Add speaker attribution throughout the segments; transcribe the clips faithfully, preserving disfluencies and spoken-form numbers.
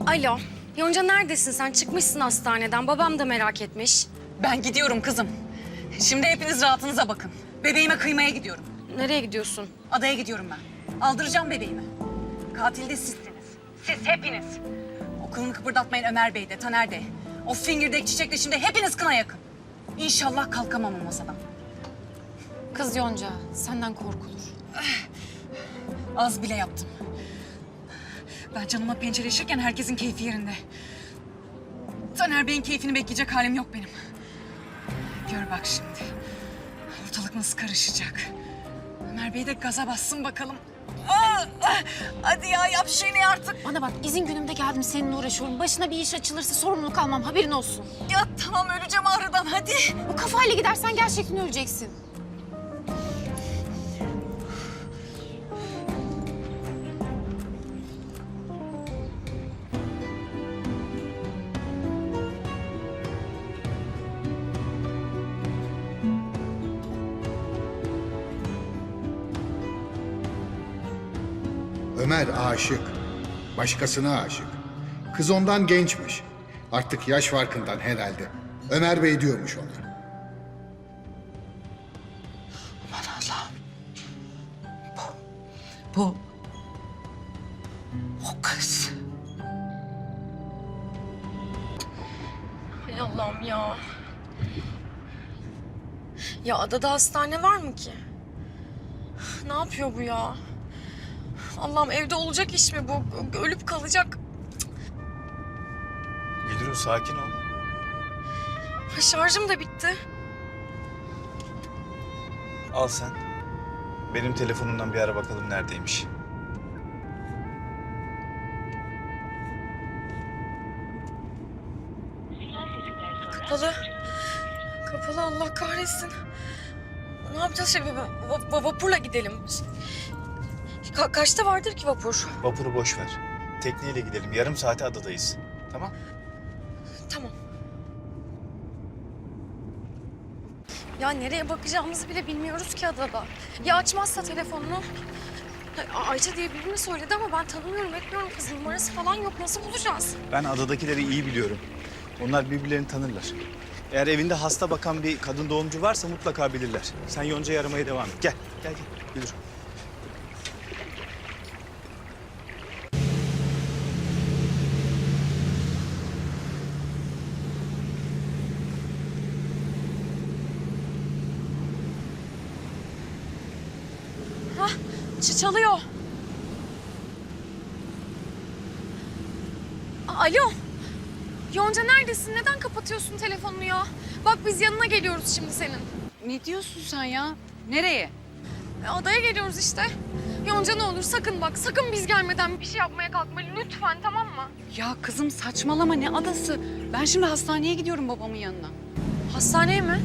Speaker 1: Alo. Yonca neredesin sen? Çıkmışsın hastaneden. Babam da merak etmiş.
Speaker 2: Ben gidiyorum kızım. Şimdi hepiniz rahatınıza bakın. Bebeğime kıymaya gidiyorum.
Speaker 1: Nereye gidiyorsun?
Speaker 2: Adaya gidiyorum ben. Aldıracağım bebeğimi. Katil de sizsiniz. Siz hepiniz. O kılını kıpırdatmayın Ömer Bey de, Taner de. O fingirdek çiçekle şimdi hepiniz kına yakın. İnşallah kalkamam o masadan.
Speaker 3: Kız Yonca, senden korkulur.
Speaker 2: Az bile yaptım. Ben canıma pençeleşirken herkesin keyfi yerinde. Taner Bey'in keyfini bekleyecek halim yok benim. Gör bak şimdi. Ortalık nasıl karışacak. Ömer Bey de gaza bassın bakalım. Aa, ah, hadi ya yap şeyini artık.
Speaker 3: Bana bak, izin günümde geldim seninle uğraşıyorum. Başına bir iş açılırsa sorumluluk almam, haberin olsun.
Speaker 2: Ya tamam öleceğim ağrıdan hadi.
Speaker 3: Bu kafayla gidersen gerçekten öleceksin.
Speaker 4: Ömer aşık. Başkasına aşık. Kız ondan gençmiş. Artık yaş farkından herhalde. Ömer Bey diyormuş ona.
Speaker 2: Aman Allah'ım. Bu... Bu... O kız.
Speaker 1: Hay Allah'ım ya. Ya adada hastane var mı ki? Ne yapıyor bu ya? Allah'ım evde olacak iş mi bu? Ölüp kalacak.
Speaker 5: Gülru sakin ol.
Speaker 1: Şarjım da bitti.
Speaker 5: Al sen. Benim telefonumdan bir ara bakalım neredeymiş.
Speaker 1: Kapalı. Kapalı Allah kahretsin. Ne yapacağız şimdi? Va- va- vapurla gidelim. Ka- kaçta vardır ki vapur?
Speaker 5: Vapuru boş ver. Tekneyle gidelim. Yarım saate adadayız. Tamam?
Speaker 1: Tamam. Ya nereye bakacağımızı bile bilmiyoruz ki adada. Ya açmazsa telefonunu? Ay- Ayça diye birini söyledi ama ben tanımıyorum, etmiyorum. Kız numarası falan yok. Nasıl bulacağız?
Speaker 5: Ben adadakileri iyi biliyorum. Onlar birbirlerini tanırlar. Eğer evinde hasta bakan bir kadın doğumcu varsa mutlaka bilirler. Sen Yonca'yı aramaya devam et. Gel, gel, gel. Gülür.
Speaker 1: Hah, ç- çalıyor. A- Alo. Yonca neredesin? Neden kapatıyorsun telefonunu ya? Bak biz yanına geliyoruz şimdi senin.
Speaker 2: Ne diyorsun sen ya? Nereye?
Speaker 1: E, adaya geliyoruz işte. Yonca ne olur sakın bak, sakın biz gelmeden bir şey yapmaya kalkma lütfen, tamam mı?
Speaker 2: Ya kızım saçmalama ne adası? Ben şimdi hastaneye gidiyorum babamın yanına.
Speaker 1: Hastaneye mi?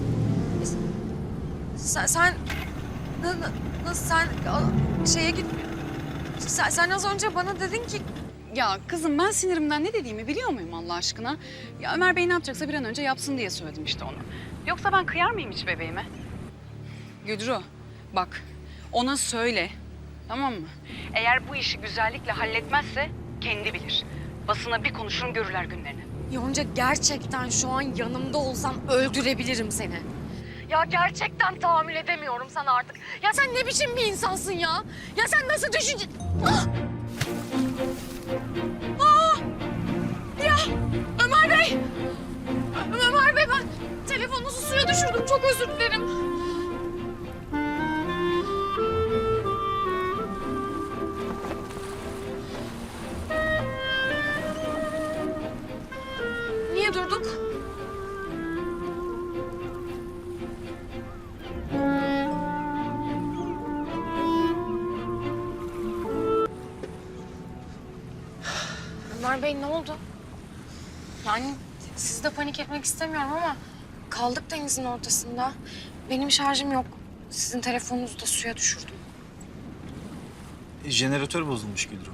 Speaker 1: Sen, sen na- na- nasıl sen a- şeye git. Sen, sen az önce bana dedin ki
Speaker 6: Ya kızım ben sinirimden ne dediğimi biliyor muyum Allah aşkına? Ya Ömer Bey ne yapacaksa bir an önce yapsın diye söyledim işte onu. Yoksa ben kıyar mıyım hiç bebeğime? Güdru bak ona söyle tamam mı? Eğer bu işi güzellikle halletmezse kendi bilir. Basına bir konuşurum görürler günlerini.
Speaker 1: Yonca gerçekten şu an yanımda olsan öldürebilirim seni. Ya gerçekten tahammül edemiyorum sana artık. Ya sen ne biçim bir insansın ya? Ya sen nasıl düşünce... Ah! Ah! Ya Ömer Bey! Ö- Ömer Bey ben telefonunuzu suya düşürdüm. Çok özür dilerim. Niye durduk? Ömer Bey ne oldu? Yani siz de panik etmek istemiyorum ama kaldık denizin ortasında. Benim şarjım yok. Sizin telefonunuzu da suya düşürdüm.
Speaker 5: Jeneratör bozulmuş Gülru.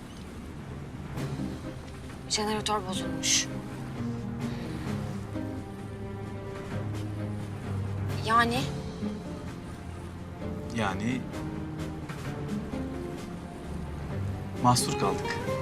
Speaker 1: Jeneratör bozulmuş. Yani
Speaker 5: Yani mahsur kaldık.